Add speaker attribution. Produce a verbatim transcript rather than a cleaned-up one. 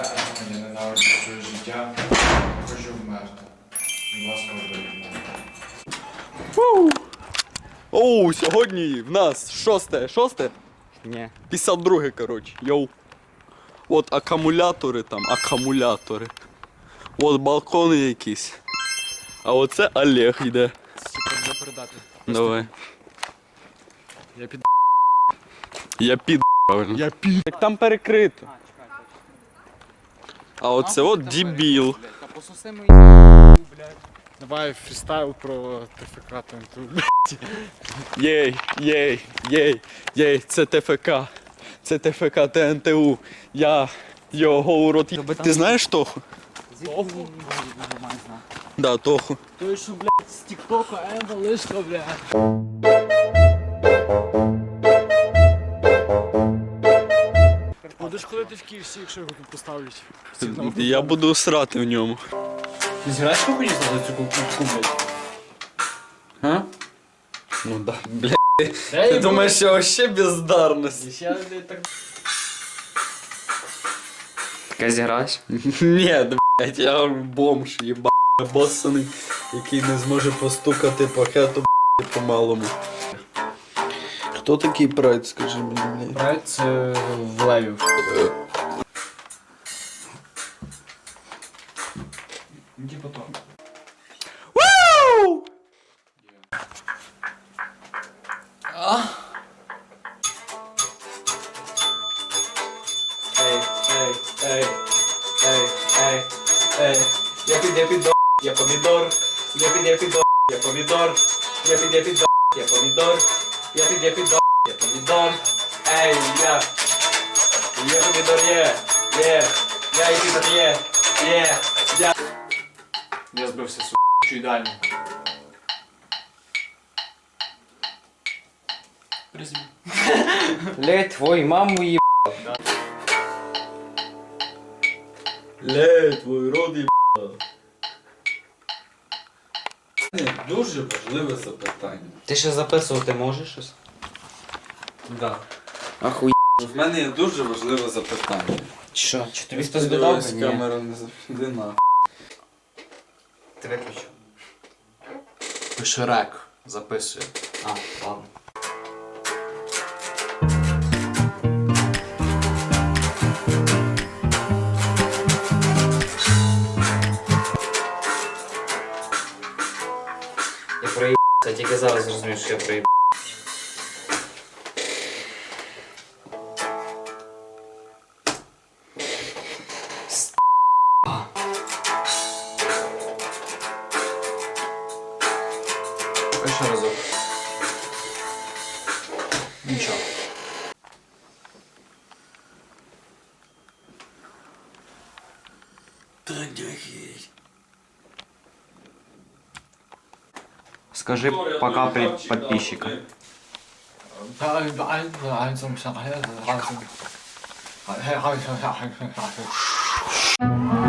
Speaker 1: я ненавиджу своє життя, хочу вмерти. Будь ласка, вберіть мене.
Speaker 2: Оу, сьогодні в нас шосте, шосте?
Speaker 3: Ні.
Speaker 2: п'ятдесят друге, коротше, йоу. От акумулятори там, акумулятори. От балкони якісь. А оце Олег йде.
Speaker 3: Треба передати.
Speaker 2: Давай.
Speaker 3: Я під...
Speaker 2: Я під, правильно.
Speaker 3: Я під...
Speaker 2: Як там перекрито. А оце от дебіл.
Speaker 3: Та посуси мої, блядь. Давай фрістайл про ТФК ТНТУ.
Speaker 2: Єй, єй, єй, єй, це ТФК. Це ТФК ТНТУ. Я його урод. Ти знаєш Тоху?
Speaker 3: Тоху?
Speaker 2: Да, Тоху.
Speaker 3: Той, що, блядь, з тіктока, Емба Лишка, блядь. Будеш ходити в Київсі, якщо його тут поставлять.
Speaker 2: Я буду срати в ньому.
Speaker 3: Ти зіграєш хоч за цю кубку, блядь?
Speaker 2: А? Ну да, блядь. Ти думаєш, що вообще бездарність?
Speaker 3: Ще так...
Speaker 4: Таке зіграєш?
Speaker 2: Ні, блядь, я бомж, єба, боссаний, який не зможе постукати по хету, блядь, по-малому. Хто такий прайд, скажи мені, блядь?
Speaker 3: Прайд це в леві. Типа то.
Speaker 2: Вау!
Speaker 4: Ей, ей, ей, ей, ей, ей. Я під, я під, я помідор. Я під, я під, я помідор. Я під, я під, я помідор. Я під, я під, я помідор. Ей, я. Я помідор є. Є. Я і помідор є. Є. Я.
Speaker 3: Я збився с***чу ідеально. Призві.
Speaker 4: Ледь твою маму є.
Speaker 2: Лей, твій род єба. Дуже важливе запитання.
Speaker 4: Ти ще записувати можеш щось?
Speaker 2: Да.
Speaker 4: Ахуй.
Speaker 2: В мене є дуже важливе запитання.
Speaker 4: Що? Чи тобі хтось додав? Ні.
Speaker 2: Камера не завжди на.
Speaker 4: Ти виключив.
Speaker 3: Пише рек. Записує.
Speaker 4: А, ладно. Я проїбався, я тільки зараз зрозумів, що я проїбався.
Speaker 3: Ще разок. Нічого.
Speaker 4: Скажи пока при подписчикам.
Speaker 3: Да,